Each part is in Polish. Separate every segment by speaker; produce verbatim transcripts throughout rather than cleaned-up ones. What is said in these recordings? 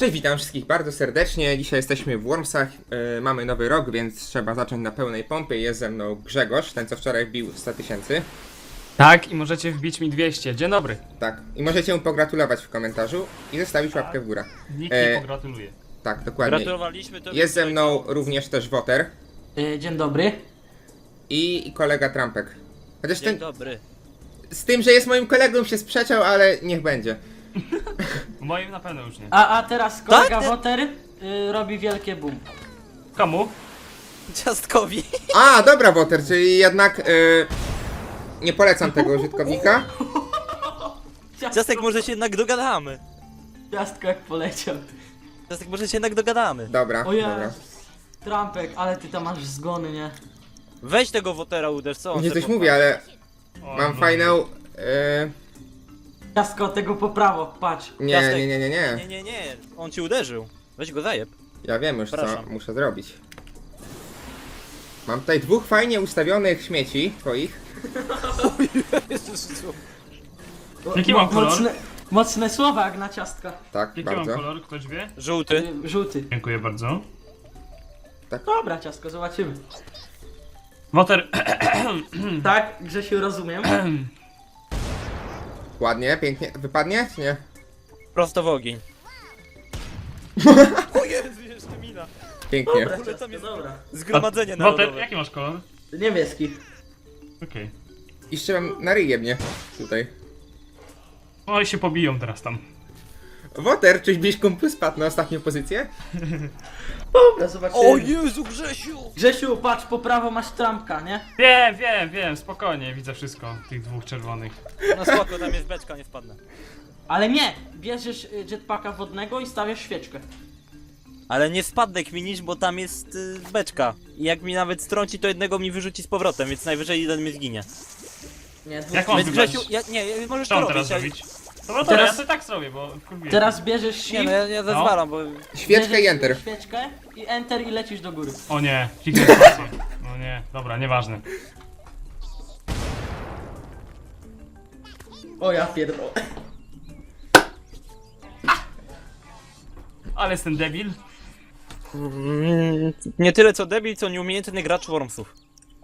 Speaker 1: Cześć, witam wszystkich bardzo serdecznie. Dzisiaj jesteśmy w Wormsach, yy, mamy nowy rok, więc trzeba zacząć na pełnej pompie. Jest ze mną Grzegorz, ten co wczoraj wbił sto tysięcy.
Speaker 2: Tak, i możecie wbić mi dwieście. Dzień dobry.
Speaker 1: Tak, i możecie mu pogratulować w komentarzu i zostawić łapkę w górę.
Speaker 2: Nikt
Speaker 1: E,
Speaker 2: nie pogratuluje.
Speaker 1: Tak, dokładnie.
Speaker 3: Gratulowaliśmy to.
Speaker 1: Jest ze mną również też Woter
Speaker 4: Yy, dzień dobry.
Speaker 1: i, i kolega Trampek. Chociaż
Speaker 3: Dzień
Speaker 1: ten,
Speaker 3: dobry.
Speaker 1: z tym, że jest moim kolegą się sprzeczał, ale niech będzie.
Speaker 2: Moim na pewno już nie.
Speaker 4: A, a teraz kolega
Speaker 3: Tak?
Speaker 4: Woter yy, robi wielkie boom.
Speaker 2: Komu?
Speaker 3: Ciastkowi.
Speaker 1: A, dobra Woter, czyli jednak yy, nie polecam tego użytkownika.
Speaker 3: Ciastek, może się jednak dogadamy.
Speaker 4: Ciastko jak poleciał.
Speaker 3: Ciastek, może się jednak dogadamy.
Speaker 1: Dobra,
Speaker 4: O
Speaker 1: dobra.
Speaker 4: ja. Trampek, ale ty tam masz zgony, nie?
Speaker 3: Weź tego wotera uderz, co on
Speaker 1: Nie
Speaker 3: se
Speaker 1: coś
Speaker 3: pochwali?
Speaker 1: mówię, ale
Speaker 2: O,
Speaker 1: mam
Speaker 2: no.
Speaker 1: fajną... Yy,
Speaker 4: Ciastko tego po prawo, patrz.
Speaker 1: nie,
Speaker 3: Ciastek.
Speaker 1: nie, nie, nie,
Speaker 3: Nie,
Speaker 1: nie.
Speaker 3: nie, nie. On ci uderzył. Weź go zajeb.
Speaker 1: Ja wiem już co
Speaker 3: Przepraszam.
Speaker 1: muszę zrobić. Mam tutaj dwóch fajnie ustawionych śmieci twoich.
Speaker 4: O,
Speaker 2: Jaki
Speaker 4: mo-
Speaker 2: mam kolor?
Speaker 4: Mocne, mocne słowa jak na ciastka.
Speaker 1: Tak,
Speaker 2: Jaki mam
Speaker 1: bardzo.
Speaker 2: kolor? Ktoś wie?
Speaker 3: Żółty.
Speaker 4: Yy, żółty.
Speaker 2: Dziękuję bardzo.
Speaker 4: Dobra, ciastko, zobaczymy.
Speaker 2: Woter.
Speaker 4: Tak, Grzesiu, rozumiem.
Speaker 1: Ładnie, pięknie. Wypadnie, czy nie?
Speaker 3: Prosto w ogień. O Jezu, jeszcze mina.
Speaker 1: Pięknie.
Speaker 4: Dobra,
Speaker 3: ogóle tam
Speaker 4: ciastko,
Speaker 3: jest-
Speaker 4: dobra.
Speaker 3: Zgromadzenie
Speaker 2: Woter,
Speaker 3: narodowe.
Speaker 2: jaki masz kolor?
Speaker 4: Niebieski.
Speaker 2: Okej.
Speaker 1: I jeszcze mam na ryje mnie tutaj.
Speaker 2: Oj, się pobiją teraz tam.
Speaker 1: Woter, czyś byś kumplu spadł na ostatnią pozycję?
Speaker 4: Dobra, zobaczymy.
Speaker 3: O Jezu, Grzesiu!
Speaker 4: Grzesiu, patrz, po prawo masz Trampka, nie?
Speaker 2: Wiem, wiem, wiem, spokojnie, widzę wszystko. Tych dwóch czerwonych.
Speaker 3: No spoko, tam jest beczka, nie wpadnę.
Speaker 4: Ale nie! Bierzesz y, jetpacka wodnego i stawiasz świeczkę.
Speaker 3: Ale nie spadnę kminisz, bo tam jest y, beczka. I jak mi nawet strąci, to jednego mi wyrzuci z powrotem, więc najwyżej jeden mi zginie.
Speaker 4: Nie, dwóch.
Speaker 2: Jak mam
Speaker 3: Więc
Speaker 2: wybrać?
Speaker 3: Grzesiu, ja, nie, możesz
Speaker 2: Co
Speaker 3: to
Speaker 2: mam teraz
Speaker 3: robić.
Speaker 2: zrobić? No Woter,
Speaker 4: Teraz-
Speaker 2: ja sobie tak zrobię, bo wkurwiłem.
Speaker 4: Teraz bierzesz shift,
Speaker 3: Nie, no ja, ja zezwalam, bo...
Speaker 1: Świeczkę i
Speaker 4: bierzesz
Speaker 1: enter.
Speaker 4: świeczkę i enter i lecisz do góry.
Speaker 2: O nie, kliknę spację. No nie, dobra, nieważne.
Speaker 4: O ja pierdolę.
Speaker 2: Ale jestem debil.
Speaker 3: Mm, nie tyle co debil, co nieumiejętny gracz Wormsów.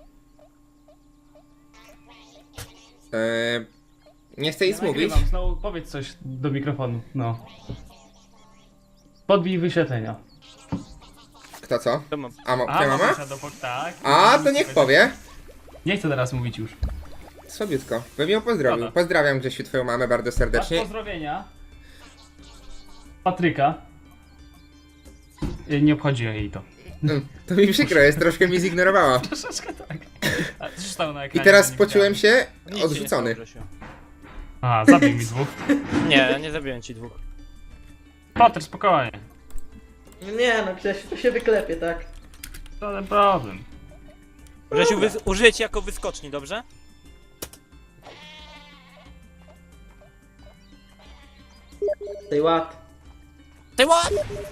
Speaker 1: Eee, nie chcę nic
Speaker 2: Ja
Speaker 1: mówić.
Speaker 2: nagrywam, znowu powiedz coś do mikrofonu, no. Podbij wyświetlenia.
Speaker 1: Kto co?
Speaker 3: To mam.
Speaker 1: A, mo-
Speaker 2: A,
Speaker 1: twoja mama?
Speaker 2: mamusia do pok- tak.
Speaker 1: A, to niech powie.
Speaker 2: Nie chcę teraz mówić już.
Speaker 1: Słabiutko. Bym ją pozdrowił.
Speaker 2: Dobra.
Speaker 1: Pozdrawiam Grzesiu twoją mamę bardzo
Speaker 2: Masz
Speaker 1: serdecznie.
Speaker 2: pozdrowienia. Patryka. Y, Nie obchodzi jej to.
Speaker 1: Mm, To mi przykro jest, troszkę mi zignorowała.
Speaker 2: Troszeczkę tak. A co się stało na
Speaker 1: I
Speaker 2: ekranie?
Speaker 1: teraz
Speaker 2: to nie
Speaker 1: poczułem
Speaker 2: widziałem.
Speaker 1: się
Speaker 3: Nic ci nie
Speaker 1: odrzucony.
Speaker 3: stało, Grzesiu.
Speaker 2: A, zabił mi dwóch.
Speaker 3: Nie, nie zabiłem ci dwóch.
Speaker 2: Patryk, spokojnie.
Speaker 4: Nie no, Grzesiu, to się wyklepie, tak?
Speaker 2: Żaden problem.
Speaker 3: Grzesiu, wy, użyję ci jako wyskoczni, dobrze?
Speaker 4: Tej ład.
Speaker 3: Ty what?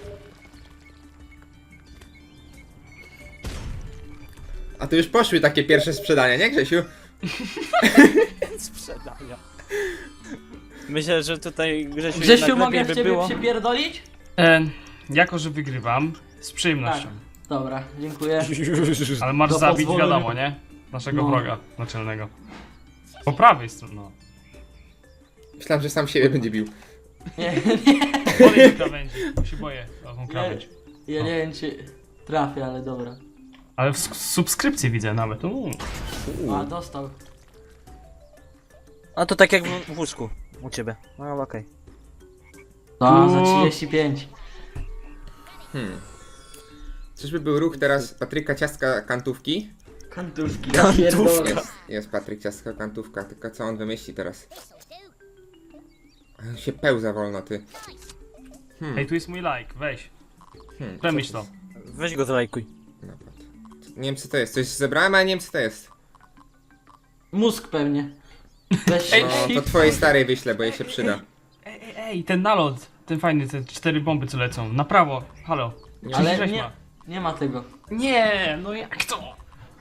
Speaker 1: A tu już poszły takie pierwsze sprzedania, nie Grzesiu?
Speaker 3: Sprzedania. Myślę, że tutaj Grzesiu,
Speaker 4: Grzesiu,
Speaker 3: jednak
Speaker 4: mogę
Speaker 3: lepiej
Speaker 4: w
Speaker 3: by
Speaker 4: ciebie
Speaker 3: było.
Speaker 4: przypierdolić?
Speaker 2: E, jako, że wygrywam, z przyjemnością.
Speaker 4: Dobra, dziękuję.
Speaker 2: Ale masz
Speaker 4: Do
Speaker 2: zabić,
Speaker 4: pozwolenia.
Speaker 2: wiadomo, nie? Naszego
Speaker 4: No.
Speaker 2: wroga naczelnego. Po prawej stronie, no.
Speaker 1: Myślałem, że sam siebie będzie bił.
Speaker 4: Nie, nie,
Speaker 2: Podejdź do krawędzi, bo się boję o tą krawędź.
Speaker 4: ja nie wiem czy trafię, ale dobra.
Speaker 2: Ale w sk- subskrypcji widzę nawet. Uuu.
Speaker 4: A, dostał.
Speaker 3: A to tak jak w, w łóżku u ciebie. No okej.
Speaker 4: No, za
Speaker 2: Uuu.
Speaker 4: trzydzieści pięć.
Speaker 1: Hmm. Czyżby był ruch teraz Patryka Ciastka Kantówki?
Speaker 4: Kantówki,
Speaker 3: Kantówka.
Speaker 4: ja pierdolę.
Speaker 1: Jest, jest Patryk Ciastka Kantówka, tylko co on wymyśli teraz? A, się pełza wolno, ty. Hmm.
Speaker 2: Hej, tu jest mój like, weź.
Speaker 1: Hmm.
Speaker 2: Przemyśl to.
Speaker 3: Weź go zalajkuj.
Speaker 1: No, patrz. Nie wiem co to jest, coś zebrałem, ale nie wiem co to jest.
Speaker 4: Mózg pewnie. Weź
Speaker 2: Ej,
Speaker 1: No, to
Speaker 4: shift.
Speaker 1: twojej starej wyślę, bo jej się przyda.
Speaker 2: Ej, ej, ej, ten nalot, ten fajny, te cztery bomby co lecą. Na prawo, halo.
Speaker 1: Nie,
Speaker 4: Ale
Speaker 2: trzydzieści sześć
Speaker 4: nie,
Speaker 2: ma.
Speaker 4: nie ma tego.
Speaker 2: Nie, no jak to?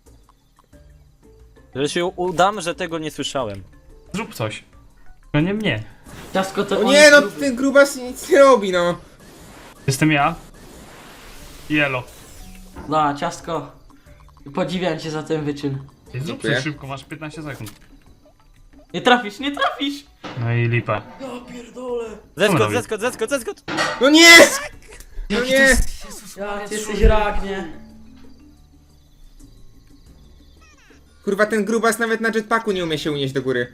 Speaker 3: Grzesiu, udam, że tego nie słyszałem.
Speaker 2: Zrób coś. To nie mnie.
Speaker 4: Ciastko to
Speaker 1: O
Speaker 4: on
Speaker 1: nie,
Speaker 4: jest
Speaker 1: no
Speaker 4: gruby.
Speaker 1: ten grubas nic nie robi, no.
Speaker 2: Jestem ja. Jelo.
Speaker 4: No, ciastko. Podziwiam cię za ten wyczyn.
Speaker 2: Zrób
Speaker 1: Dziękuję.
Speaker 2: coś szybko, masz piętnaście sekund.
Speaker 4: Nie trafisz, nie trafisz!
Speaker 2: No i lipa.
Speaker 4: Ja pierdolę.
Speaker 3: Zeskocz,
Speaker 2: robi?
Speaker 3: zeskocz, zeskocz, zeskocz!
Speaker 1: No nie! No nie!
Speaker 4: Ja, ty jesteś rak, nie?
Speaker 1: Kurwa, ten grubas nawet na jetpacku nie umie się unieść do góry.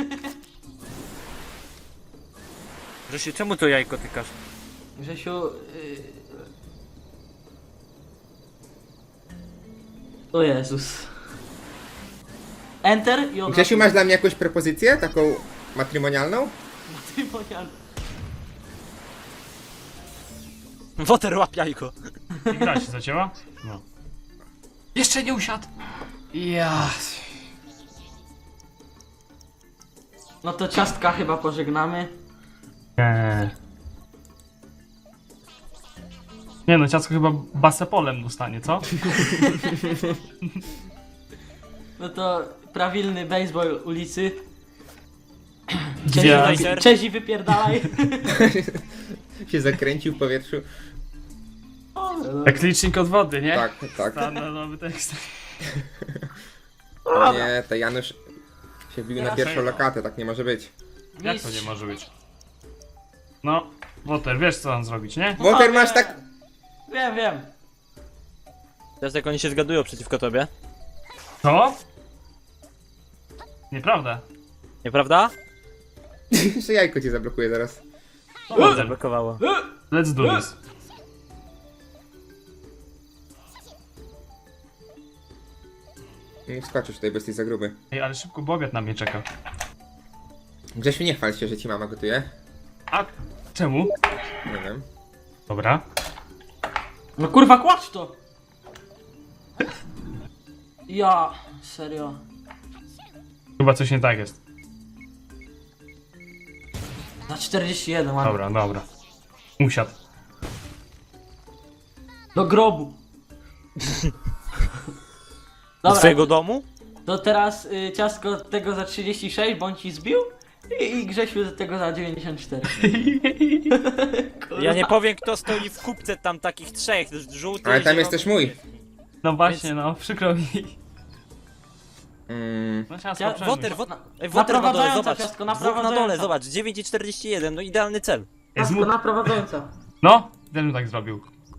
Speaker 3: Grzesiu, czemu to jajko tykasz?
Speaker 4: Grzesiu... Yy... O Jezus. Enter i od
Speaker 1: Grzesiu,
Speaker 4: razu-
Speaker 1: masz dla mnie jakąś propozycję? Taką matrymonialną?
Speaker 4: Matrymonialny.
Speaker 3: Woter, łap jajko.
Speaker 2: I gra się zacięła? No. Jeszcze nie usiadł. Ja.
Speaker 4: No to ciastka chyba pożegnamy.
Speaker 2: Nie. Nie no, ciasko chyba basepolem dostanie, co?
Speaker 4: No to prawilny baseball ulicy.
Speaker 2: Dwie.
Speaker 4: Czezi, wypi- Czezi wypierdalaj.
Speaker 1: Się zakręcił w powietrzu.
Speaker 2: Jak licznik od wody, nie?
Speaker 1: Tak, tak.
Speaker 2: Standardowy tekst.
Speaker 1: O nie, to Janusz się wbił na
Speaker 4: Ja
Speaker 1: pierwszą
Speaker 2: sobie-
Speaker 1: lokatę, tak nie może być.
Speaker 2: Jak to nie może być? No, Woter, wiesz co mam zrobić, nie?
Speaker 1: Woter,
Speaker 4: O,
Speaker 1: masz
Speaker 4: nie.
Speaker 1: tak...
Speaker 4: Wiem, wiem.
Speaker 3: Teraz jak oni się zgadują przeciwko tobie.
Speaker 2: Co? Nieprawda.
Speaker 3: Nieprawda?
Speaker 1: Jeszcze jajko cię zablokuje zaraz.
Speaker 2: No, Woter,
Speaker 3: Zablokowało.
Speaker 2: let's do this.
Speaker 1: Nie skoczysz tutaj, bo jesteś za gruby.
Speaker 2: Ej, ale szybko, bo obiad na mnie czeka.
Speaker 1: Grzesiu, nie chwal się, że ci mama gotuje.
Speaker 2: A czemu?
Speaker 1: Nie wiem.
Speaker 2: Dobra.
Speaker 4: No kurwa, kładź to! Ja, serio.
Speaker 2: Chyba coś nie tak jest.
Speaker 4: Za czterdzieści jeden, ładnie.
Speaker 2: Dobra, dobra. Usiadł.
Speaker 4: Do grobu.
Speaker 3: Do
Speaker 4: Dobra,
Speaker 3: swojego domu?
Speaker 4: to teraz y, ciastko tego za trzydzieści sześć, bądź ci zbił. I, I Grzesiu tego za dziewięćdziesiąt cztery.
Speaker 3: Ja nie powiem, kto stoi w kupce tam takich trzech, żółty,
Speaker 1: Ale tam
Speaker 3: zielony,
Speaker 1: jest też mój.
Speaker 2: No właśnie, no, przykro mi.
Speaker 1: Mm,
Speaker 2: No ciasto
Speaker 4: Ja-
Speaker 2: przemyśl.
Speaker 3: Woter, woter,
Speaker 4: Na-
Speaker 3: ej, woter na dole,
Speaker 4: naprowadzająca
Speaker 3: zobacz.
Speaker 4: ciastko,
Speaker 3: Dwóch na dole,
Speaker 4: naprowadzająca.
Speaker 3: zobacz, dziewięć i czterdzieści jeden, no idealny cel.
Speaker 2: Jest
Speaker 4: Ciastko
Speaker 2: mu...
Speaker 4: naprowadzająca.
Speaker 2: No, ten tak zrobił.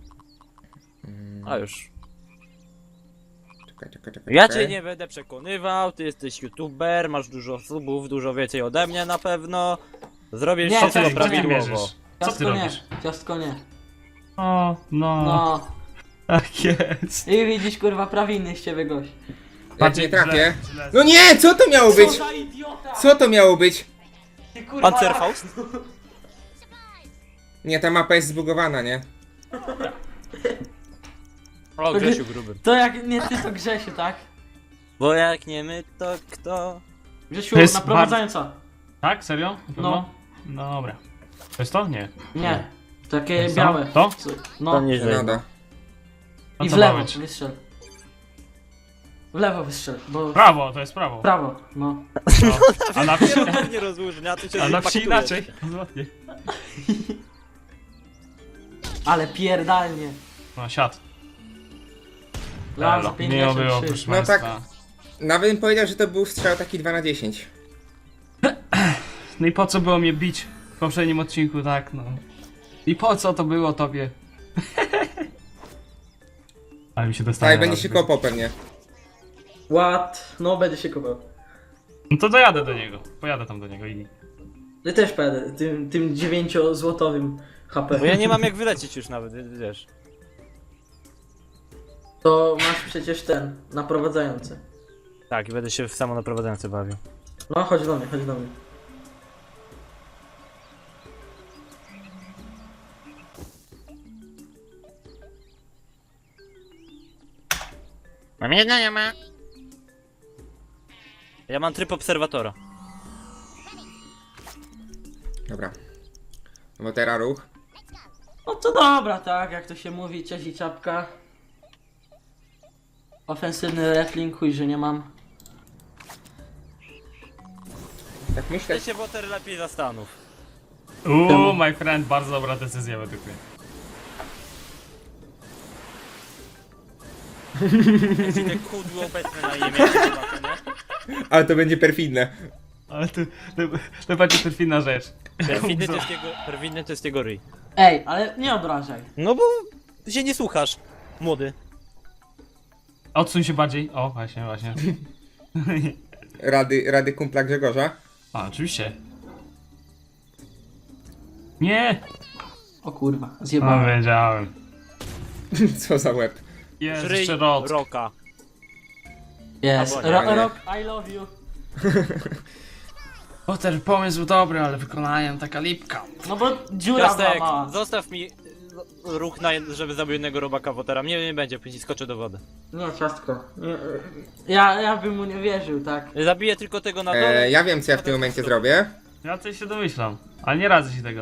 Speaker 3: A już.
Speaker 1: czekaj, czekaj, czekaj.
Speaker 3: Ja
Speaker 1: czekaj.
Speaker 3: cię nie będę przekonywał, ty jesteś youtuber, masz dużo subów, dużo więcej ode mnie na pewno. Zrobię
Speaker 4: Nie,
Speaker 3: wszystko
Speaker 4: ty-
Speaker 2: Ty
Speaker 3: prawidłowo.
Speaker 2: mierzysz? Co ty
Speaker 4: Ciastko nie,
Speaker 2: robisz?
Speaker 4: ciastko nie.
Speaker 2: O, no,
Speaker 4: No.
Speaker 2: tak jest.
Speaker 4: I widzisz, kurwa, prawilny z ciebie gość.
Speaker 1: Jak nie trafię.
Speaker 2: Źle, źle.
Speaker 1: No nie, co to miało
Speaker 4: Co
Speaker 1: być?
Speaker 4: za idiota!
Speaker 1: Co to miało być?
Speaker 4: Ty, kurwa,
Speaker 3: Panzerfaust?
Speaker 1: Nie, ta mapa jest zbugowana, nie?
Speaker 3: O, Grzesiu gruby.
Speaker 4: To jak nie ty, to Grzesiu, tak?
Speaker 3: Bo jak nie my, to kto?
Speaker 4: Grzesiu,
Speaker 2: To jest
Speaker 4: naprowadzająca.
Speaker 2: Tak? Serio? Na pewno? No. Dobra. To jest to? Nie.
Speaker 4: Nie. Takie
Speaker 2: To co?
Speaker 4: białe.
Speaker 2: To?
Speaker 4: Co-
Speaker 3: To
Speaker 4: No.
Speaker 3: nieźle.
Speaker 1: Nada.
Speaker 2: No
Speaker 4: I
Speaker 2: co
Speaker 4: w
Speaker 2: ma
Speaker 4: lewo
Speaker 2: być?
Speaker 4: wystrzel. W lewo wystrzel, bo...
Speaker 2: Prawo, to jest prawo.
Speaker 4: W prawo, no.
Speaker 2: No. A na wsi,
Speaker 3: Nie rozróżnia, a tu się
Speaker 2: a na wsi
Speaker 3: paktuje.
Speaker 2: inaczej. Złotnie.
Speaker 4: Ale pierdalnie.
Speaker 2: No, siad.
Speaker 4: Lam za
Speaker 2: Elo. Miło było,
Speaker 4: pięćdziesiąt trzy.
Speaker 2: proszę
Speaker 1: No tak.
Speaker 2: państwa.
Speaker 1: Nawet bym powiedział, że to był strzał taki dwa na dziesięć.
Speaker 2: No i po co było mnie bić w poprzednim odcinku, tak no. I po co to było tobie? Ale mi się dostanie.
Speaker 1: Tak, będzie się kopał pewnie.
Speaker 4: What? No, będę się kopał.
Speaker 2: No to dojadę do niego. Pojadę tam do niego i...
Speaker 4: Ja też pojadę, tym, tym dziewięciozłotowym H P.
Speaker 3: Bo ja nie mam jak wylecieć już nawet, wiesz.
Speaker 4: To masz przecież ten, naprowadzający.
Speaker 3: Tak, i będę się w samo naprowadzające bawił.
Speaker 4: No, chodź do mnie, chodź do mnie.
Speaker 3: Mam jedno, nie ma. Ja mam tryb obserwatora.
Speaker 1: Dobra. No teraz ruch.
Speaker 4: No to dobra, tak, jak to się mówi, cześć i czapka. Ofensywny wrestling, chuj, że nie mam.
Speaker 1: Tak myślę,
Speaker 3: Ty się Woter lepiej zastanów.
Speaker 2: Uuu, my friend, bardzo dobra decyzja według mnie.
Speaker 3: Jeśli te kudły obecne na imię, zobaczę, nie?
Speaker 1: Ale to będzie perfidne.
Speaker 2: Ale to, to, to będzie perfidna rzecz.
Speaker 3: Perfidny to jest jego, perfidny to jest jego ryj.
Speaker 4: Ej, ale nie obrażaj.
Speaker 3: No bo się nie słuchasz, młody.
Speaker 2: Odsuń się bardziej. O, właśnie, właśnie.
Speaker 1: Rady, rady kumpla Grzegorza.
Speaker 2: A, oczywiście. Nie!
Speaker 4: O kurwa,
Speaker 2: No,
Speaker 4: zjebałem.
Speaker 2: wiedziałem.
Speaker 1: Co za łeb.
Speaker 2: Jest
Speaker 3: Ryj
Speaker 2: jeszcze rot.
Speaker 3: roka.
Speaker 4: Jest.
Speaker 3: Albo nie,
Speaker 4: Ro
Speaker 1: nie.
Speaker 4: Rock, I love you.
Speaker 2: O, ten pomysł był dobry, ale wykonałem taka lipka.
Speaker 4: No bo dziura była
Speaker 3: Ciastek,
Speaker 4: mała.
Speaker 3: zostaw mi ruch, na, żeby zabił jednego robaka Wotera. Mnie nie będzie, później skoczę do wody.
Speaker 4: Nie, ciastko. Nie, ja, ja bym mu nie wierzył, tak.
Speaker 3: Zabiję tylko tego na dole.
Speaker 1: E, ja wiem, co ja w tym momencie zrobię.
Speaker 2: Ja coś się domyślam, ale nie radzę się tego.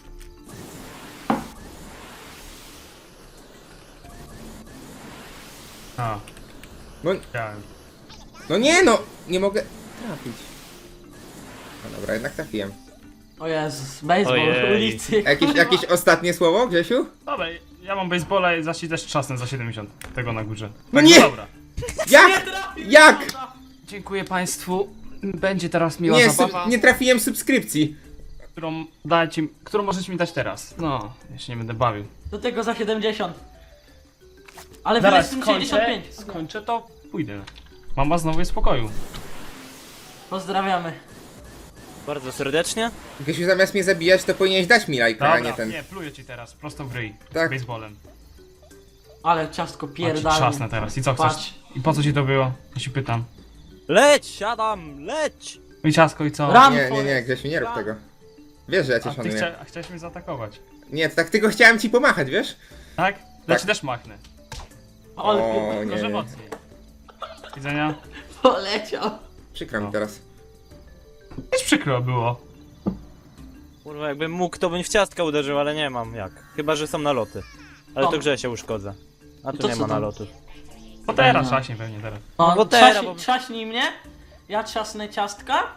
Speaker 2: A,
Speaker 1: No,
Speaker 2: chciałem.
Speaker 1: no nie no! Nie mogę trafić. No dobra, jednak trafiłem.
Speaker 4: O Jezus, baseball
Speaker 3: Ojej.
Speaker 4: ulicy.
Speaker 1: Jakieś, jakieś ostatnie słowo, Grzesiu?
Speaker 2: Dobra, ja mam baseballa i zaś też trzasnę za siedemdziesiąt. Tego na górze.
Speaker 1: No
Speaker 2: Tak,
Speaker 1: nie!
Speaker 2: Dobra.
Speaker 1: Jak? Jak?
Speaker 2: Dziękuję państwu. Będzie teraz miła
Speaker 1: Nie,
Speaker 2: zabawa,
Speaker 1: sub, nie trafiłem subskrypcji.
Speaker 2: którą dajcie, którą możecie mi dać teraz. No, ja się nie będę bawił.
Speaker 4: Do tego za siedemdziesiąt. Ale
Speaker 2: Zaraz
Speaker 4: wyleć tym
Speaker 2: skończę,
Speaker 4: sześćdziesiąt pięć.
Speaker 2: skończę to pójdę. Mama znowu jest w spokoju.
Speaker 4: Pozdrawiamy.
Speaker 3: Bardzo serdecznie.
Speaker 1: Grzesiu, zamiast mnie zabijać, to powinieneś dać mi lajka, a
Speaker 2: Dobra,
Speaker 1: nie ten.
Speaker 2: nie, pluję ci teraz, prosto w ryj.
Speaker 1: Tak.
Speaker 2: Baseballem.
Speaker 4: Ale ciastko
Speaker 2: Patrz,
Speaker 4: pierdala.
Speaker 2: trzasnę teraz. I co chcesz?
Speaker 4: Patrz.
Speaker 2: I po co ci to było? Ja się pytam.
Speaker 3: Leć, siadam, leć!
Speaker 2: No i ciasko i co?
Speaker 4: Ram!
Speaker 1: Nie, nie, nie, Grzesiu, nie rób tego. Wiesz, że ja cię
Speaker 2: A ty
Speaker 1: szanuję.
Speaker 2: chcia, a chciałeś mnie zaatakować.
Speaker 1: Nie, to tak tylko chciałem ci pomachać, wiesz?
Speaker 2: Tak? Ja ci też machnę.
Speaker 4: Ale
Speaker 1: O,
Speaker 4: o,
Speaker 1: nie.
Speaker 2: Może mocniej. Widzenia?
Speaker 4: poleciał.
Speaker 1: Przykro mi
Speaker 2: No.
Speaker 1: teraz.
Speaker 2: Jest przykro było.
Speaker 3: Kurwa, jakbym mógł, to bym w ciastka uderzył, ale nie mam jak. Chyba, że są naloty. Ale
Speaker 4: O.
Speaker 3: to grze się uszkodzę. A tu
Speaker 4: To
Speaker 3: nie
Speaker 4: co
Speaker 3: ma
Speaker 4: tam?
Speaker 3: nalotów.
Speaker 2: Bo teraz
Speaker 4: Fajna.
Speaker 2: trzaśnie pewnie teraz.
Speaker 4: No,
Speaker 3: bo teraz,
Speaker 4: trzaś,
Speaker 3: bo-
Speaker 4: trzaśnij mnie, ja trzasnę ciastka.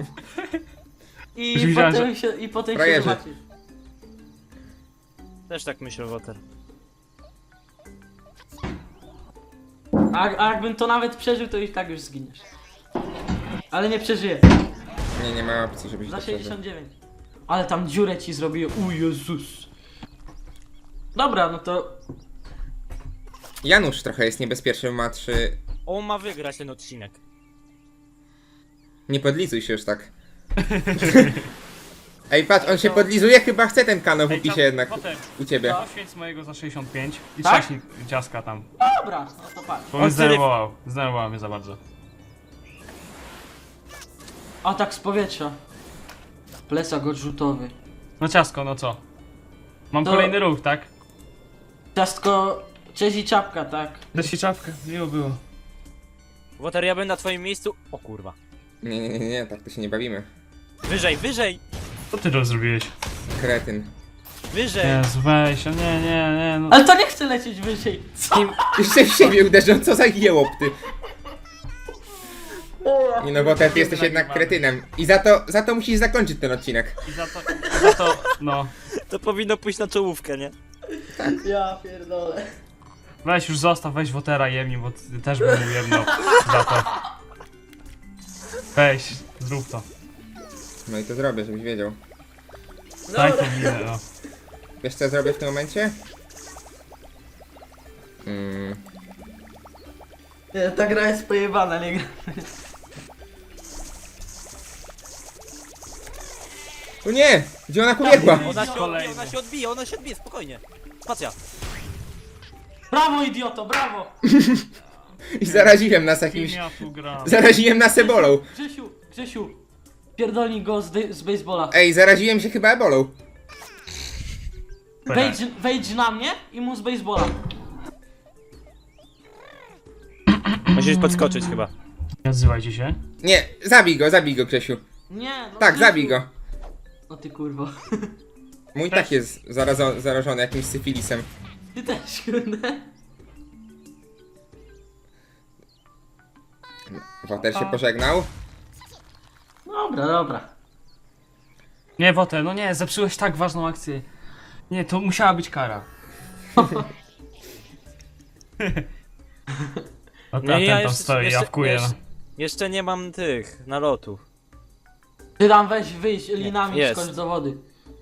Speaker 4: I
Speaker 2: Już widziałem,
Speaker 4: potem się, i potem się
Speaker 1: Frajerzy.
Speaker 4: zobaczysz.
Speaker 3: Też tak myślę, Woter.
Speaker 4: A, a jakbym to nawet przeżył, to i tak już zginiesz. Ale nie przeżyję.
Speaker 1: Nie, nie ma opcji, żebyś
Speaker 4: Za
Speaker 1: to przeżył.
Speaker 4: sześćdziesiąt dziewięć. Ale tam dziurę ci zrobiłem. U Jezus. Dobra, no to
Speaker 1: Janusz trochę jest niebezpieczny, ma trzy...
Speaker 3: On ma wygrać ten odcinek.
Speaker 1: Nie podlizuj się już tak. Ej, patrz, on się podlizuje, chyba chce ten kanał w
Speaker 2: Ej,
Speaker 1: opisie
Speaker 2: czas-
Speaker 1: jednak.
Speaker 2: Potem,
Speaker 1: U ciebie.
Speaker 2: poświęć mojego za sześćdziesiąt pięć i
Speaker 4: Tak?
Speaker 2: trzaśnij ciaska tam.
Speaker 4: dobra, no to patrz.
Speaker 2: Bo mnie
Speaker 3: On serio-
Speaker 2: zdenerwował. Zdenerwował mnie za bardzo.
Speaker 4: Atak z powietrza. Plecak odrzutowy.
Speaker 2: No ciasko, no co? Mam
Speaker 4: To-
Speaker 2: kolejny ruch, tak?
Speaker 4: Ciastko, cześć i czapka, tak?
Speaker 2: Dać ci czapkę, miło było.
Speaker 3: Woter, ja bym na twoim miejscu... O kurwa.
Speaker 1: Nie, nie, nie, nie, tak to się nie bawimy.
Speaker 3: Wyżej, wyżej!
Speaker 2: Co ty to zrobiłeś?
Speaker 1: Kretyn.
Speaker 3: Wyżej!
Speaker 2: Jezu, weź, o nie, nie, nie, no.
Speaker 4: Ale to nie chcę lecieć wyżej. Co?
Speaker 1: Jeszcze w siebie uderzą, co za jełop ty. Nie no, bo ty jesteś jednak kretynem. I za to, za to musisz zakończyć ten odcinek.
Speaker 2: I za to, za to, no.
Speaker 3: To powinno pójść na czołówkę, nie?
Speaker 4: Ja pierdolę.
Speaker 2: Weź już zostaw, weź Wotera jemni, bo ty też bym mu jedno za to. Weź, zrób to.
Speaker 1: No i to zrobię, żebyś wiedział.
Speaker 2: Daj to minę, no.
Speaker 1: Wiesz co ja zrobię w tym momencie? Mm,
Speaker 4: Nie, ta gra jest pojebana, nie gra.
Speaker 1: o nie! Gdzie ona pobiegła?
Speaker 3: Ona się odbije,
Speaker 2: Kolejny.
Speaker 3: ona się odbije, ona się odbije, spokojnie. Spacja.
Speaker 4: Brawo idioto, brawo!
Speaker 1: I zaraziłem nas
Speaker 2: Kim
Speaker 1: jakimś...
Speaker 2: ja tu gram?
Speaker 1: Zaraziłem nas ebolą.
Speaker 4: Grzesiu, Grzesiu. Pierdolnij go z, dy- z baseballa.
Speaker 1: Ej, zaraziłem się chyba ebolą.
Speaker 4: Wejdź, wejdź na mnie i mu z baseballa.
Speaker 3: Musisz podskoczyć chyba.
Speaker 2: Nie odzywajcie się.
Speaker 1: Nie, zabij go, zabij go, Grzesiu.
Speaker 4: Nie, no
Speaker 1: Tak,
Speaker 4: Grzesiu.
Speaker 1: zabij go.
Speaker 4: No ty kurwo.
Speaker 1: Mój tak jest zarazo- zarażony jakimś syfilisem.
Speaker 4: Ty też, kurde.
Speaker 1: Woter się pożegnał.
Speaker 4: Dobra, dobra.
Speaker 2: Nie, Woter, no nie, zepsułeś tak ważną akcję. Nie, to musiała być kara. A
Speaker 3: Nie,
Speaker 2: ten,
Speaker 3: ja
Speaker 2: ten tam
Speaker 3: jeszcze-
Speaker 2: stoi,
Speaker 3: jeszcze-
Speaker 2: jawkuje.
Speaker 3: jeszcze-
Speaker 2: no.
Speaker 3: Jeszcze nie mam tych nalotów.
Speaker 4: Ty tam weź wyjść linami
Speaker 3: Jest.
Speaker 4: skocz do wody.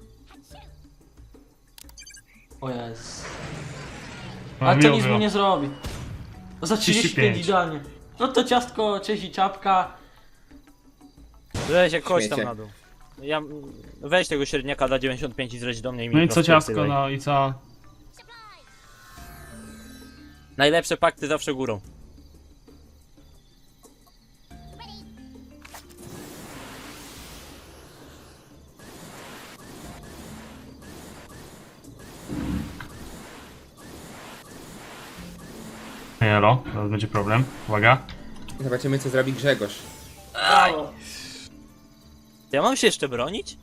Speaker 4: O jest.
Speaker 2: No,
Speaker 4: Ale to
Speaker 2: miło
Speaker 4: nic mu
Speaker 2: było.
Speaker 4: nie zrobi. Za trzydzieści pięć
Speaker 2: trzydzieści pięć.
Speaker 4: idealnie. No to ciastko, cześć i czapka.
Speaker 3: Weź jak chodź tam
Speaker 1: Śmiecie.
Speaker 3: na dół. Ja, weź tego średniaka dla dziewięćdziesiąt pięć i zleć do mnie i mi
Speaker 2: No i
Speaker 3: po
Speaker 2: co
Speaker 3: prostu
Speaker 2: ciastko,
Speaker 3: tyle.
Speaker 2: no i co?
Speaker 3: Najlepsze pakty zawsze górą.
Speaker 2: Jelo, teraz będzie problem. Uwaga.
Speaker 1: Zobaczymy, co zrobi Grzegorz.
Speaker 3: Ja mam się jeszcze bronić?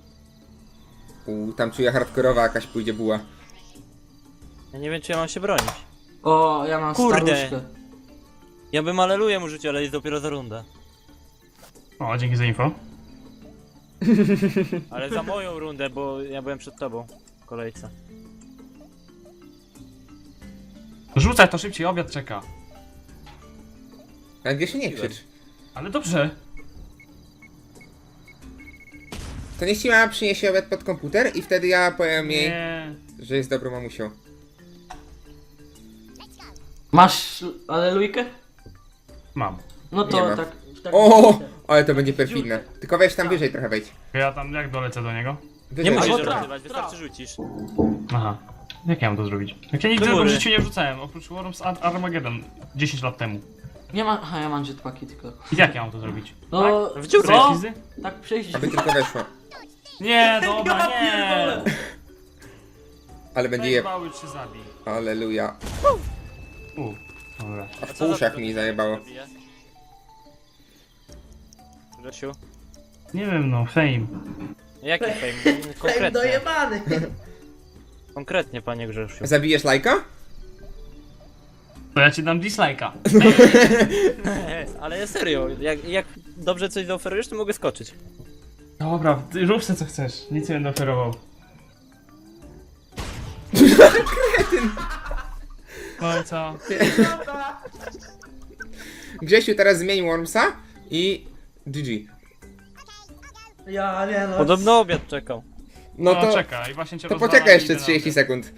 Speaker 1: U, tam czuję hardkorowa jakaś pójdzie buła.
Speaker 3: Ja nie wiem czy ja mam się bronić.
Speaker 4: O, ja mam
Speaker 3: Kurde.
Speaker 4: staruszkę.
Speaker 3: Ja bym aleluję mu życiu, ale jest dopiero za rundę.
Speaker 2: O, dzięki za info.
Speaker 3: Ale za moją rundę, bo ja byłem przed tobą w kolejce.
Speaker 2: Rzucaj to szybciej, obiad czeka.
Speaker 1: Ale Grzesiu, nie krzycz.
Speaker 2: Ale dobrze.
Speaker 1: To niech ci mama przyniesie obiad pod komputer i wtedy ja powiem jej,
Speaker 2: Nie.
Speaker 1: że jest dobrą mamusią.
Speaker 4: Masz alelujkę?
Speaker 2: Mam.
Speaker 4: No
Speaker 1: Nie
Speaker 4: to
Speaker 1: ma.
Speaker 4: tak. tak
Speaker 1: O, ale to będzie perfidne. Tylko weź tam wyżej trochę wejdź.
Speaker 2: Ja tam jak dolecę do niego?
Speaker 1: Wyżej.
Speaker 3: Nie musisz
Speaker 4: Albo traf,
Speaker 3: rozrywać, wystarczy
Speaker 4: traf.
Speaker 3: rzucić.
Speaker 2: Aha. Jak ja mam to zrobić? Jak ja nigdy
Speaker 3: Do
Speaker 2: tego w
Speaker 3: góry.
Speaker 2: życiu nie wrzucałem, oprócz Worms Ar- Armageddon dziesięć lat temu.
Speaker 4: Nie ma. Aha, ja mam jetpacki tylko.
Speaker 2: I jak ja mam to zrobić?
Speaker 4: No,
Speaker 3: W dziurę.
Speaker 2: Co?
Speaker 4: tak przejść.
Speaker 1: Aby tylko weszło.
Speaker 2: Nie, dobra, nie!
Speaker 1: Ale będzie je...
Speaker 2: Zajmowały czy zabij.
Speaker 1: Aleluja.
Speaker 2: U, dobra.
Speaker 1: A w uszach mi zajebało.
Speaker 3: Grzesiu?
Speaker 2: Nie wiem, no, fame.
Speaker 3: Jaki fame? Konkretnie.
Speaker 4: dojebany.
Speaker 3: Konkretnie, panie Grzesiu.
Speaker 1: Zabijesz lajka?
Speaker 2: To ja ci dam dislike'a.
Speaker 3: Ale serio, jak, jak dobrze coś zaoferujesz, to mogę skoczyć.
Speaker 2: Dobra, ty rób se co chcesz. Nic nie będę oferował. No i co?
Speaker 1: Grzesiu teraz zmień Wormsa i... G G.
Speaker 4: Ja nie no.
Speaker 3: Podobno obiad czekał.
Speaker 1: No
Speaker 2: No
Speaker 1: to...
Speaker 2: czekaj, właśnie cię
Speaker 1: To
Speaker 2: rozwalam
Speaker 1: poczekaj
Speaker 2: i
Speaker 1: jeszcze
Speaker 2: idę na
Speaker 1: trzydzieści
Speaker 2: obiad.
Speaker 1: sekund.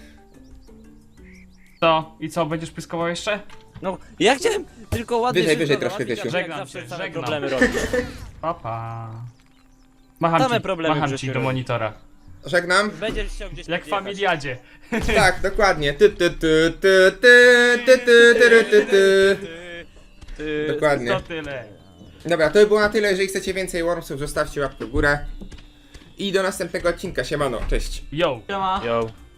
Speaker 2: Co? I co, będziesz pyskował jeszcze?
Speaker 3: No, ja chciałem tylko ładnie
Speaker 1: Wyżej,
Speaker 3: się
Speaker 1: wyżej
Speaker 3: załatwić,
Speaker 1: troszkę,
Speaker 3: a
Speaker 1: Grzesiu.
Speaker 3: jak
Speaker 2: Żegnam
Speaker 3: zawsze
Speaker 2: cię,
Speaker 3: same
Speaker 2: żegnam.
Speaker 3: problemy robisz.
Speaker 2: Papa. Macham
Speaker 3: Same
Speaker 2: ci,
Speaker 3: problemy
Speaker 2: macham
Speaker 3: Grzesiu
Speaker 2: ci do
Speaker 3: robi.
Speaker 2: monitora.
Speaker 1: Żegnam.
Speaker 3: Będziesz chciał gdzieś
Speaker 2: Jak w
Speaker 3: podjechać.
Speaker 2: familiadzie.
Speaker 1: Tak, dokładnie. Ty, ty, ty, ty, ty, ty, ty, ty, ty, ty.
Speaker 3: Ty, ty,
Speaker 1: Dokładnie.
Speaker 2: To tyle.
Speaker 1: Dobra, to by było na tyle. Jeżeli chcecie więcej Wormsów, zostawcie łapkę w górę. I do następnego odcinka. Siemano, cześć.
Speaker 2: Yo.
Speaker 4: Siema.
Speaker 3: Yo.